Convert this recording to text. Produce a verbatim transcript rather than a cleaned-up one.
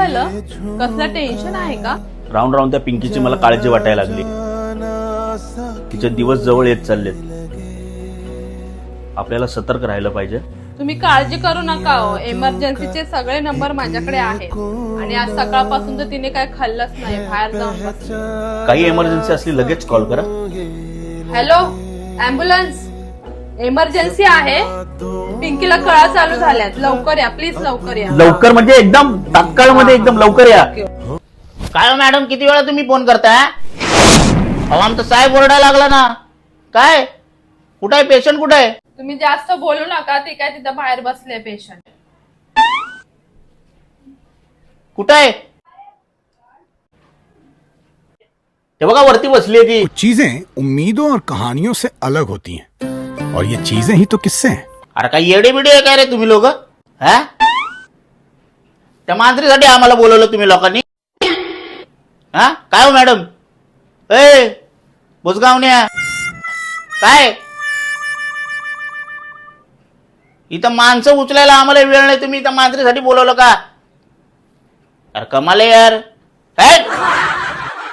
झालं? कसलं टेन्शन आहे का? राऊंड राऊंड त्या पिंकीची मला काळजी वाटायला लागली. तिचे दिवस जवळ येत चाललेत. आपल्याला सतर्क राहायला पाहिजे. तुम्ही काळजी करू नका हो. इमर्जन्सीचे सगळे नंबर माझ्याकडे आहेत आणि आज सकाळपासून तर तिने काय खाल्लंच नाही, बाहेर जाऊन बसली. काही इमर्जन्सी असली लगेच कॉल करा. हॅलो, ॲम्ब्युलन्स, इमर्जन्सी आहे. पिंकीला कळा चालू झाल्यात, लवकर या प्लीज, लवकर या. लवकर म्हणजे एकदम तात्काळ मध्ये, एकदम लवकर या. काय हो मॅडम, किती वेळा तुम्ही फोन करताय? अहो आमचा साहेब ओरडायला लागला ना. काय कुठं आहे पेशंट, कुठं आहे? तुम्ही जास्त बोलू नका, ती काय तिथं बाहेर बसले पेशंट. कुठं आहे? ते बघा वरती बसली आहे ती. चीजें उम्मीदों और कहानियों से अलग होती हैं और ये चीजें ही तो किस्से हैं. अरे काय येडे बिडे आहे काय रे तुम्ही लोक? हा, त्या मांजरीसाठी आम्हाला बोलवलं तुम्ही लोकांनी? हा काय हो मॅडम? ए बुजगावण्या, काय इथं माणसं उचलायला आम्हाला वेळ नाही, तुम्ही इथं मांजरीसाठी बोलवलं का? अरे कमाल आहे यार. काय